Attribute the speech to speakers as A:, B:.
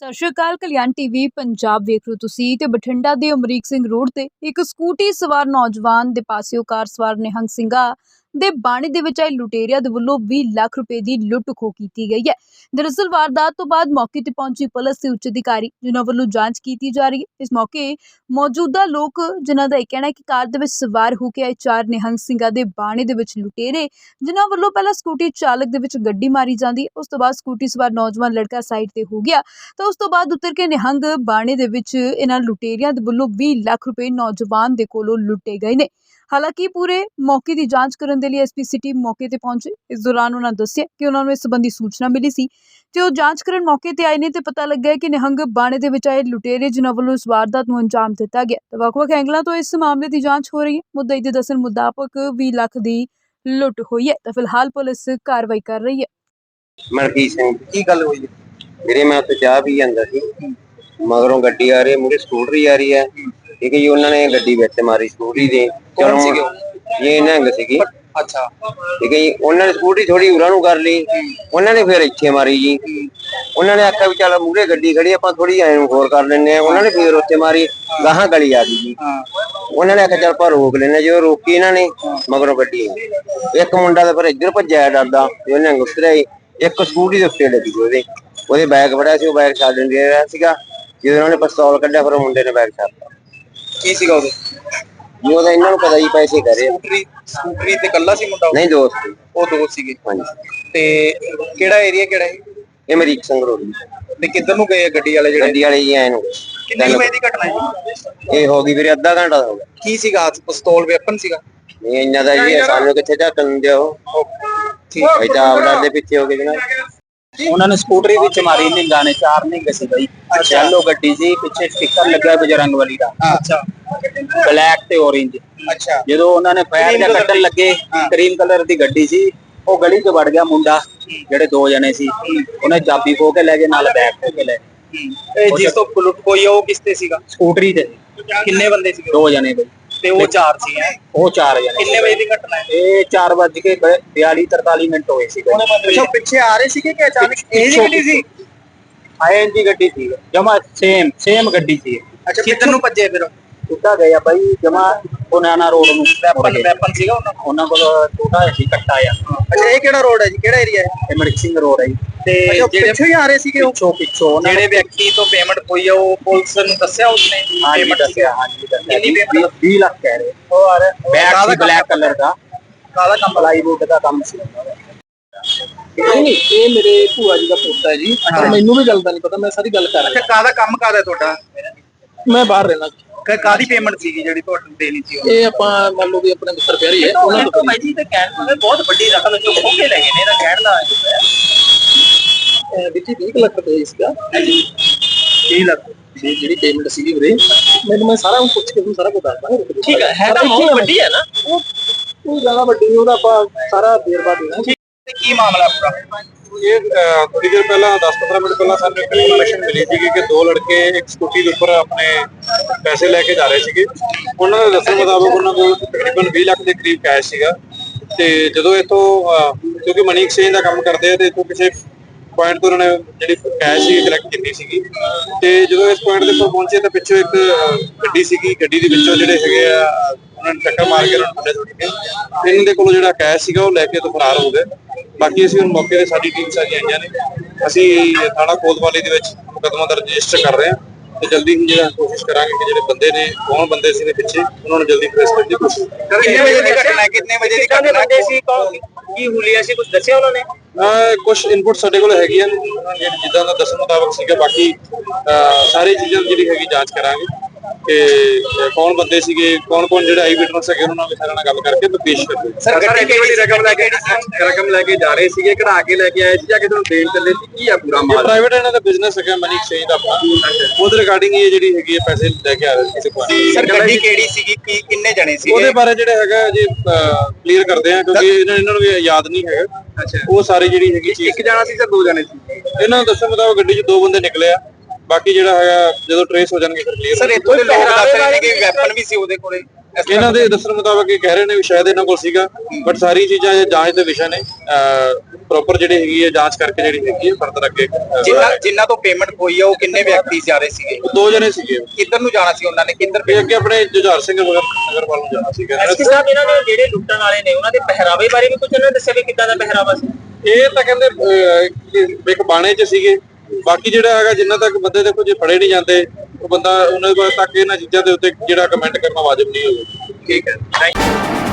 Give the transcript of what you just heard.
A: ਸਤਿ ਸ਼੍ਰੀ ਅਕਾਲ। ਕਲਿਆਣ ਟੀਵੀ ਪੰਜਾਬ ਵੇਖ ਰਹੇ ਹੋ ਤੁਸੀਂ ਤੇ ਬਠਿੰਡਾ ਦੇ ਅਮਰੀਕ ਸਿੰਘ ਰੋਡ ਤੇ ਇੱਕ ਸਕੂਟੀ ਸਵਾਰ ਨੌਜਵਾਨ ਦੇ ਪਾਸਿਓਂ ਕਾਰ ਸਵਾਰ ਨਿਹੰਗ ਸਿੰਘਾਂ ਦੇ ਬਾਣੇ ਦੇ ਵਿੱਚ ਆਏ ਲੁਟੇਰਿਆਂ ਦੇ ਵੱਲੋਂ 20 ਲੱਖ ਰੁਪਏ ਦੀ ਲੁੱਟ ਖੋਹ ਕੀਤੀ ਗਈ ਹੈ। ਦਰਅਸਲ ਵਾਰਦਾਤ ਤੋਂ ਬਾਅਦ ਮੌਕੇ ਤੇ ਪਹੁੰਚੀ ਪੁਲਿਸ ਦੇ ਉੱਚ ਅਧਿਕਾਰੀ ਜਿਨ੍ਹਾਂ ਵੱਲੋਂ ਜਾਂਚ ਕੀਤੀ ਜਾ ਰਹੀ ਹੈ। ਇਸ ਮੌਕੇ ਮੌਜੂਦਾ ਲੋਕ ਜਿਨ੍ਹਾਂ ਦਾ ਇਹ ਕਹਿਣਾ ਹੈ ਕਿ ਕਾਰ ਦੇ ਵਿੱਚ ਸਵਾਰ ਹੋ ਕੇ ਆਏ 4 ਨਿਹੰਗ ਸਿੰਘਾਂ ਦੇ ਬਾਣੇ ਦੇ ਵਿੱਚ ਲੁਟੇਰੇ ਜਿਨ੍ਹਾਂ ਵੱਲੋਂ ਪਹਿਲਾਂ ਸਕੂਟੀ ਚਾਲਕ ਦੇ ਵਿੱਚ ਗੱਡੀ ਮਾਰੀ ਜਾਂਦੀ, ਉਸ ਤੋਂ ਬਾਅਦ ਸਕੂਟੀ ਸਵਾਰ ਨੌਜਵਾਨ ਲੜਕਾ ਸਾਈਡ ਤੇ ਹੋ ਗਿਆ ਤਾਂ ਉਸ ਤੋਂ ਬਾਅਦ ਉਤਰ ਕੇ ਨਿਹੰਗ ਬਾਣੇ ਦੇ ਵਿੱਚ ਇਹਨਾਂ ਲੁਟੇਰਿਆਂ ਦੇ ਵੱਲੋਂ 20 ਲੱਖ ਰੁਪਏ ਨੌਜਵਾਨ ਦੇ ਕੋਲੋਂ ਲੁੱਟੇ ਗਏ ਨੇ। ਹਾਲਾਂਕਿ ਪੂਰੇ ਮੌਕੇ ਦੀ ਜਾਂਚ ਕਰਨ ਦੇ ਲਈ ਐਸਪੀ ਸਿਟੀ ਮੌਕੇ ਤੇ ਪਹੁੰਚੇ। ਇਸ ਦੌਰਾਨ ਉਹਨਾਂ ਦੱਸਿਆ ਕਿ ਉਹਨਾਂ ਨੂੰ ਇਸ ਸੰਬੰਧੀ ਸੂਚਨਾ ਮਿਲੀ ਸੀ ਤੇ ਉਹ ਜਾਂਚ ਕਰਨ ਮੌਕੇ ਤੇ ਆਏ ਨੇ ਤੇ ਪਤਾ ਲੱਗਿਆ ਕਿ ਨਿਹੰਗ ਬਾਣੇ ਦੇ ਵਿੱਚ ਆਏ ਲੁਟੇਰੇ ਜਿਨ੍ਹਾਂ ਵੱਲੋਂ ਇਸ ਵਾਰਦਾਤ ਨੂੰ ਅੰਜਾਮ ਦਿੱਤਾ ਗਿਆ ਤੇ ਵੱਖ-ਵੱਖ ਐਂਗਲਾਂ ਤੋਂ ਇਸ ਮਾਮਲੇ ਦੀ ਜਾਂਚ ਹੋ ਰਹੀ ਹੈ। ਮੁੱਦਈ ਦੇ ਦੱਸਣ ਮੁਤਾਬਕ 20 ਲੱਖ ਦੀ ਲੁੱਟ ਹੋਈ ਹੈ ਤਾਂ ਫਿਲਹਾਲ ਪੁਲਿਸ ਕਾਰਵਾਈ ਕਰ ਰਹੀ ਹੈ।
B: ਮਲਕੀਤ ਸਿੰਘ ਕੀ ਗੱਲ ਹੋਈ ਵੀਰੇ? ਮੈਂ ਉੱਥੇ ਚਾਹ ਪੀ ਜਾਂਦਾ ਸੀ, ਮਗਰੋਂ ਗੱਡੀ ਆ ਰਹੀ, ਮੂਹਰੇ ਸਕੂਟਰੀ ਆ ਰਹੀ ਹੈ। ਠੀਕ ਹੈ ਜੀ, ਉਹਨਾਂ ਨੇ ਗੱਡੀ ਵਿੱਚ ਮਾਰੀ ਸਕੂਟਰੀ ਦੇ। ਚਲੋ ਇਹ ਨਿਹੰਗ ਸੀਗੀ।
C: ਅੱਛਾ,
B: ਠੀਕ ਹੈ ਜੀ, ਉਹਨਾਂ ਨੇ ਸਕੂਟਰੀ ਥੋੜੀ ਉਰਾਂ ਨੂੰ ਕਰ ਲਈ, ਉਹਨਾਂ ਨੇ ਫਿਰ ਇੱਥੇ ਮਾਰੀ ਜੀ। ਉਹਨਾਂ ਨੇ ਆਖਿਆ ਵੀ ਚੱਲ ਮੂਹਰੇ ਗੱਡੀ ਖੜੀ ਆਪਾਂ ਥੋੜੀ ਐਂ ਨੂੰ ਹੋਰ ਕਰ ਲੈਂਦੇ ਆ, ਉਹਨਾਂ ਨੇ ਫਿਰ ਉੱਥੇ ਮਾਰੀ, ਗਾਹਾਂ ਗਲੀ ਆ ਗਈ ਜੀ। ਉਹਨਾਂ ਨੇ ਆਖਿਆ ਚੱਲ ਆਪਾਂ ਰੋਕ ਲੈਂਦੇ, ਜਦੋਂ ਰੋਕੀ ਇਹਨਾਂ ਨੇ ਮਗਰੋਂ ਗੱਡੀ ਇੱਕ ਮੁੰਡਾ ਤਾਂ ਫਿਰ ਇੱਧਰ ਭੱਜਿਆ ਡਰਦਾ ਤੇ ਉਹਨੇ ਉਤਰਿਆ, ਇੱਕ ਸਕੂਟਰੀ ਦੇ ਉੱਤੇ ਲੱਗੀ ਉਹਦੇ ਬੈਗ ਫੜਿਆ ਸੀ, ਉਹ ਬੈਗ ਛੱਡ ਦਿੰਦੇ ਰਿਹਾ ਸੀਗਾ। ਜਦੋਂ ਉਹਨਾਂ ਨੇ ਪਿਸਤੌਲ ਕੱਢਿਆ ਫਿਰ ਉਹ ਮੁੰਡੇ ਨੇ ਬੈਗ ਛੱਡਤਾ।
C: ਕੀ ਸੀਗਾ ਉਹਦੇ?
B: ਜੀ ਉਹਦਾ ਇਹਨਾਂ ਨੂੰ ਪਤਾ ਹੀ ਪੈਸੇ ਕਰੇ।
C: ਸਕੂਟਰੀ ਤੇ ਕੱਲਾ ਸੀ ਮੁੰਡਾ?
B: ਨਹੀਂ, ਦੋਸਤ।
C: ਉਹ ਦੋਸਤ ਸੀਗੇ।
B: ਹਾਂਜੀ।
C: ਤੇ ਕਿਹੜਾ ਏਰੀਆ ਕਿਹੜਾ ਹੈ
B: ਇਹ? ਅਮਰੀਕ ਸਿੰਘ ਰੋਡ।
C: ਤੇ ਕਿੱਧਰ ਨੂੰ ਗਏ ਗੱਡੀ ਵਾਲੇ? ਜਿਹੜੇ
B: ਗੱਡੀ ਵਾਲੇ ਜੀ ਐ ਨੂੰ।
C: ਕਿੰਨੇ ਵਜੇ ਦੀ ਘਟਨਾ ਹੈ?
B: ਇਹ ਹੋ ਗਈ ਵੀਰੇ ਅੱਧਾ ਘੰਟਾ ਹੋ ਗਿਆ।
C: ਕੀ ਸੀਗਾ? ਪਿਸਤੌਲ ਵੈਪਨ ਸੀਗਾ?
B: ਨਹੀਂ ਇੰਨਾ ਦਾ ਜੀ, ਸਾਨੂੰ ਕਿੱਥੇ ਝਾਕਣ ਦਿਓ।
C: ਠੀਕ
B: ਹੈ ਤਾਂ ਆਪ ਡਰ ਦੇ ਪਿੱਛੇ ਹੋ ਗਏ ਜਨਾਬ।
D: ਉਹਨਾਂ ਨੇ ਸਕੂਟਰੀ ਵਿੱਚ ਮਾਰੀ ਨਿੰਗਾ ਨੇ, 4 ਨਿੰਗ ਸੀ ਬਈ। ਯੈਲੋ ਗੱਡੀ ਸੀ, ਪਿੱਛੇ ਸਟicker ਲੱਗਾ ਬਜਰੰਗਬਲੀ ਦਾ।
C: ਅੱਛਾ,
D: ਬਲੈਕ ਤੇ orange।
C: ਅੱਛਾ,
D: ਜਦੋਂ ਉਹਨਾਂ ਨੇ ਫਾਇਰ ਜਾਂ ਕੱਢਣ ਲੱਗੇ, ਕਰੀਮ ਕਲਰ ਦੀ ਗੱਡੀ ਸੀ, ਉਹ ਗਲੀ 'ਚ ਵੜ ਗਿਆ ਮੁੰਡਾ। ਜਿਹੜੇ 2 ਜਣੇ ਸੀ, ਉਹਨੇ ਚਾਬੀ ਖੋ ਕੇ ਲੈ ਗਏ, ਨਾਲ ਬੈਗ ਖੋ ਕੇ ਲੈ ਗਏ।
C: ਇਹ ਜਿਸ ਤੋਂ ਲੁੱਟ ਹੋਈ ਉਹ ਕਿਸ ਤੇ ਸੀਗਾ?
D: ਸਕੂਟਰੀ ਤੇ।
C: ਕਿੰਨੇ ਬੰਦੇ ਸੀਗੇ?
D: 2 ਜਣੇ ਬਈ।
C: ਤੇ ਉਹ 4 ਸੀ ਹੈ?
D: ਉਹ 4 ਜਣੇ।
C: ਕਿੰਨੇ ਵਜੇ ਦੀ ਘਟਨਾ ਹੈ?
D: ਇਹ 4:42-43 ਮਿੰਟ ਹੋਏ ਸੀ।
C: ਅੱਛਾ, ਪਿੱਛੇ ਆ ਰਹੇ ਸੀਗੇ ਕਿ ਅਚਾਨਕ ਇਹ ਜੀ ਗੱਡੀ ਸੀ?
D: ING ਗੱਡੀ ਸੀ, ਜਮਾ ਸੇਮ ਗੱਡੀ ਸੀ।
C: ਅੱਛਾ, ਕਿੱਧਰ ਨੂੰ ਭੱਜੇ ਫਿਰ?
D: ਕਿੱਦਾਂ ਗਏ ਆ ਬਾਈ, ਜਮਾ ਬਨਾਨਾ ਰੋਡ ਨੂੰ।
C: ਵੈਪਨ ਸੀਗਾ
D: ਉਹਨਾਂ ਕੋਲ ਛੋਟਾ ਸੀ ਕੱਟਾ ਆ।
C: ਅੱਛਾ, ਇਹ ਕਿਹੜਾ ਰੋਡ ਹੈ ਜੀ? ਕਿਹੜਾ ਏਰੀਆ ਹੈ?
D: ਇਹ ਅਮਰੀਕ ਸਿੰਘ ਰੋਡ ਹੈ ਜੀ।
C: ਤੇ ਜਿਹੜੇ ਪਿੱਛੋਂ ਹੀ ਆ ਰਹੇ ਸੀਗੇ ਉਹ?
D: ਪਿੱਛੋਂ
C: ਜਿਹੜੇ ਵਿਅਕਤੀ ਤੋਂ ਪੇਮੈਂਟ ਹੋਈ ਆ ਉਹ ਪੁਲਿਸ ਨੂੰ ਦੱਸਿਆ ਉਸਨੇ?
D: ਪੇਮੈਂਟ ਦੱਸਿਆ। ਹਾਂਜੀ,
C: ਕਿੰਨੀ ਪੇਮੈਂਟ?
D: 20 ਲੱਖ ਕਹਿ ਰਹੇ। ਉਹ ਆ ਰਿਹਾ ਬੈਗ ਸੀ ਬਲੈਕ ਕਲਰ ਦਾ,
C: ਕਾਲਾ ਕੰਮ
D: ਪਲਾਈਵੁੱਡ ਦਾ ਕੰਮ ਸੀ।
C: ਨਹੀਂ, ਇਹ ਮੇਰੇ ਭੂਆ ਜੀ ਦਾ ਪੁੱਤ ਹੈ ਜੀ।
D: ਮੈਨੂੰ ਵੀ ਗੱਲ ਦਾ ਨਹੀਂ ਪਤਾ, ਮੈਂ ਸਾਰੀ ਗੱਲ ਕਰ
C: ਅੱਛਾ, ਕਾਹਦਾ ਕੰਮ ਕਾਹਦਾ ਤੁਹਾਡਾ?
D: ਮੈਂ ਬਾਹਰ ਰਹਿਣਾ।
C: ਕਾਹਦੀ ਪੇਮੈਂਟ ਸੀਗੀ ਜਿਹੜੀ ਤੁਹਾਨੂੰ ਦੇਣੀ ਸੀ?
D: ਇਹ ਆਪਾਂ ਮੰਨ ਲਓ ਵੀ ਆਪਣੇ ਮਿੱਤਰ ਪਿਆਰੀ ਹੈ, ਉਹਨਾਂ ਤੋਂ
C: ਬਾਈ ਜੀ ਤੇ ਕਹਿਣ ਦਾ ਬਹੁਤ ਵੱਡੀ ਰਕਮ ਚੋਂ ਖੋ ਕੇ ਲੈ ਗਏ ਨੇ, ਇਹਦਾ ਕਹਿਣ ਦਾ
D: ਵਿੱਚ 20 ਲੱਖ ਰੁਪਏ ਸੀਗਾ।
C: 20 ਲੱਖ
D: ਦੀ ਜਿਹੜੀ ਪੇਮੈਂਟ ਸੀਗੀ ਵੀਰੇ, ਮੈਨੂੰ ਮੈਂ ਸਾਰਾ ਪੁੱਛ ਕੇ ਤੁਹਾਨੂੰ ਸਾਰਾ ਕੁਝ ਦੱਸਦਾ।
C: ਠੀਕ ਹੈ, ਹੈ ਤਾਂ ਬਹੁਤ ਵੱਡੀ ਹੈ ਨਾ?
D: ਉਹ ਜ਼ਿਆਦਾ ਵੱਡੀ ਨਹੀਂ, ਉਹਦਾ ਆਪਾਂ ਸਾਰਾ ਵੇਰਵਾ ਦੇਣਾ।
C: ਕੀ ਮਾਮਲਾ ਪੂਰਾ?
E: ਇਹ ਥੋੜੀ ਦੇਰ ਪਹਿਲਾਂ 10-15 ਮਿੰਟ ਪਹਿਲਾਂ ਸਾਨੂੰ ਇੱਕ ਇਨਫੋਰਮੇਸ਼ਨ ਮਿਲੀ ਸੀ ਕਿ 2 ਲੜਕੇ ਇੱਕ ਸਕੂਟੀ ਦੇ ਉੱਪਰ ਆਪਣੇ ਪੈਸੇ ਲੈ ਕੇ ਜਾ ਰਹੇ ਸੀਗੇ। ਉਹਨਾਂ ਦੇ ਦੱਸਣ ਮੁਤਾਬਕ ਉਹਨਾਂ ਕੋਲ ਤਕਰੀਬਨ 20 ਲੱਖ ਦੇ ਕਰੀਬ ਕੈਸ਼ ਸੀਗਾ। ਤੇ ਜਦੋਂ ਇੱਥੋਂ ਕਿਉਂਕਿ ਮਨੀ ਐਕਸਚੇਂਜ ਦਾ ਕੰਮ ਕਰਦੇ ਆ ਤੇ ਇੱਥੋਂ ਕਿਸੇ ਪੁਆਇੰਟ ਤੋਂ ਉਹਨਾਂ ਨੇ ਜਿਹੜੀ ਕੈਸ਼ ਸੀ ਕਲੈਕਟ ਕੀਤੀ ਸੀਗੀ। ਤੇ ਜਦੋਂ ਇਸ ਪੁਆਇੰਟ ਦੇ ਉੱਪਰ ਪਹੁੰਚੇ ਤਾਂ ਪਿੱਛੋਂ ਇੱਕ ਗੱਡੀ ਸੀਗੀ, ਗੱਡੀ ਦੇ ਵਿੱਚੋਂ ਜਿਹੜੇ ਹੈਗੇ ਆ ਉਹਨਾਂ ਨੇ ਟੱਕਰ ਮਾਰ ਕੇ ਉਹਨਾਂ ਨੂੰ ਥੱਲੇ ਸੁੱਟ ਕੇ ਇਹਨਾਂ ਦੇ ਕੋਲੋਂ ਜਿਹੜਾ ਕੈਸ਼ ਸੀਗਾ ਉਹ ਲੈ ਕੇ ਤੋਂ ਫਰਾਰ ਹੋ ਗਏ। ਬਾਕੀ ਅਸੀਂ ਹੁਣ ਮੌਕੇ ਤੇ ਸਾਡੀ ਟੀਮ ਸਾਰੀਆਂ ਆਈਆਂ ਨੇ, ਅਸੀਂ ਥਾਣਾ ਕੋਤਵਾਲੀ ਦੇ ਵਿੱਚ ਮੁਕੱਦਮਾ ਦਰਜ ਰਜਿਸਟਰ ਕਰ ਰਹੇ ਹਾਂ ਤੇ ਜਲਦੀ ਹੀ ਜਿਹੜਾ ਕੋਸ਼ਿਸ਼ ਕਰਾਂਗੇ ਕਿ ਜਿਹੜੇ ਬੰਦੇ ਨੇ, ਕੌਣ ਬੰਦੇ ਸੀ ਨੇ ਪਿੱਛੇ, ਉਹਨਾਂ ਨੂੰ ਜਲਦੀ ਟ੍ਰੇਸ ਕਰਨ ਦੀ ਕੋਸ਼ਿਸ਼।
C: ਕਿੰਨੇ ਵਜੇ ਦੀ ਘਟਨਾ ਹੈ? ਕਿੰਨੇ ਵਜੇ ਦੀ ਘਟਨਾ ਸੀ? ਕੀ ਹੁਲੀਆ ਸੀ? ਕੁਝ ਦੱਸਿਆ ਉਹਨਾਂ ਨੇ?
E: ਕੁਝ ਇਨਪੁਟ ਸਾਡੇ ਕੋਲ ਹੈਗੀਆਂ ਨੇ, ਜਿੱਦਾਂ ਦਾ ਦੱਸਣ ਮੁਤਾਬਕ ਸੀਗਾ। ਬਾਕੀ ਸਾਰੀ ਚੀਜ਼ਾਂ ਜਿਹੜੀ ਹੈਗੀ ਜਾਂਚ ਕਰਾਂਗੇ ਕਿ ਕੌਣ ਬੰਦੇ ਸੀਗੇ, ਕੌਣ ਜਿਹੜਾ ਆਈ ਵਿਟਨੈਸ ਹੈਗੇ, ਉਹਨਾਂ ਨਾਲ ਸਾਰਿਆਂ ਨਾਲ ਗੱਲ ਕਰਕੇ ਪੇਸ਼ ਕਰਾਂਗੇ।
C: ਸਰ, ਗੱਡੀ ਕਿਹੜੀ ਰਕਮ ਲੈ ਕੇ ਜਾ ਰਹੇ ਸੀਗੇ, ਕਢਾ ਕੇ ਲੈ ਕੇ ਆਏ ਸੀ ਜਾਂ ਕਿਸੇ ਨੂੰ ਦੇਣ ਚੱਲੇ ਸੀ? ਕੀ ਆ ਪੂਰਾ ਮਾਲ?
E: ਪ੍ਰਾਈਵੇਟ ਇਹਨਾਂ ਦਾ ਬਿਜ਼ਨਸ ਹੈਗਾ ਮਨੀ ਐਕਸਚੇਂਜ ਦਾ ਆਪਣਾ, ਉਹਦੇ ਰਿਗਾਰਡਿੰਗ ਇਹ ਜਿਹੜੀ ਹੈਗੀ ਹੈ ਪੈਸੇ ਲੈ ਕੇ ਆ ਰਹੇ ਸੀ ਕਿਸੇ ਕੋਲ।
C: ਸਰ, ਗੱਡੀ ਕਿਹੜੀ ਸੀਗੀ? ਕਿੰਨੇ ਜਣੇ ਸੀ?
E: ਉਹਦੇ ਬਾਰੇ ਜਿਹੜਾ ਹੈਗਾ ਜੀ ਕਲੀਅਰ ਕਰਦੇ ਆ ਕਿਉਂਕਿ ਇਹਨਾਂ ਨੂੰ ਵੀ ਯਾਦ ਨਹੀਂ ਹੈਗਾ।
C: ਅੱਛਾ,
E: ਉਹ ਸਾਰੇ ਜਿਹੜੀ ਹੈਗੀ ਚੀਜ਼।
C: ਇੱਕ ਜਣਾ ਸੀ ਜਾਂ 2 ਜਣੇ ਸੀ?
E: ਇਹਨਾਂ ਨੂੰ ਦੱਸਣ ਮੁਤਾਬਕ ਗੱਡੀ 'ਚ 2 ਬੰਦੇ ਨਿਕਲੇ ਆ। ਬਾਕੀ ਜਿਹੜਾ ਹੈਗਾ ਜਦੋਂ ਟ੍ਰੇਸ ਹੋ ਜਾਣਗੇ ਫਿਰ ਕਲੀਅਰ।
C: ਸਰ, ਇੱਥੋਂ ਦੇ ਲੋਕ ਦੱਸ ਰਹੇ ਨੇ ਕਿ ਵੈਪਨ ਵੀ ਸੀ ਉਹਦੇ ਕੋਲੇ।
E: ਇਹਨਾਂ ਦੇ ਦੱਸਣ ਮੁਤਾਬਕ ਇਹ ਕਹਿ ਰਹੇ ਨੇ ਵੀ ਸ਼ਾਇਦ ਇਹਨਾਂ ਕੋਲ ਸੀਗਾ, ਬਟ ਸਾਰੀ ਚੀਜ਼ਾਂ ਇਹ ਜਾਂਚ ਦੇ ਵਿਸ਼ਾ ਨੇ। ਪ੍ਰੋਪਰ ਜਿਹੜੀ ਹੈਗੀ ਹੈ ਜਾਂਚ ਕਰਕੇ ਜਿਹੜੀ ਹੈਗੀ ਹੈ ਫਰਦਰ ਅੱਗੇ
C: ਜਿਨ੍ਹਾਂ ਤੋਂ ਪੇਮੈਂਟ ਹੋਈ ਆ ਉਹ ਕਿੰਨੇ ਵਿਅਕਤੀ ਜਾ ਰਹੇ ਸੀਗੇ?
E: 2 ਜਣੇ ਸੀਗੇ।
C: ਕਿੱਧਰ ਨੂੰ ਜਾਣਾ ਸੀ ਉਹਨਾਂ ਨੇ? ਕਿੱਧਰ
E: ਇਹ ਅੱਗੇ ਆਪਣੇ ਜੁਝਾਰ ਸਿੰਘ ਨਗਰ ਵੱਲ ਨੂੰ ਜਾਣਾ ਸੀਗਾ।
D: ਐਸਪੀ ਸਾਹਿਬ, ਇਹਨਾਂ ਦੇ ਜਿਹੜੇ ਲੁੱਟਣ ਵਾਲੇ ਨੇ ਉਹਨਾਂ ਦੇ ਪਹਿਰਾਵੇ ਬਾਰੇ ਵੀ ਕੁਝ ਉਹਨਾਂ ਨੇ ਦੱਸਿਆ ਵੀ ਕਿੱਦਾਂ ਦਾ ਪਹਿਰਾਵਾ ਸੀ?
E: ਇਹ ਤਾਂ ਕਹਿੰਦੇ ਇੱਕ ਬਾਣੇ 'ਚ ਸੀਗੇ। ਬਾਕੀ ਜਿਹੜਾ ਹੈਗਾ ਜਿੰਨਾ ਤੱਕ ਬੰਦੇ ਦੇਖੋ ਜੇ ਫੜੇ ਨਹੀਂ ਜਾਂਦੇ ਉਹ ਬੰਦਾ ਉਹਨਾਂ ਤੱਕ ਇਹਨਾਂ ਚੀਜ਼ਾਂ ਦੇ ਉੱਤੇ ਜਿਹੜਾ ਕਮੈਂਟ ਕਰਨਾ ਵਾਜਬ ਨਹੀਂ ਹੋਊਗਾ।
C: ਠੀਕ ਹੈ, ਥੈਂਕ ਯੂ।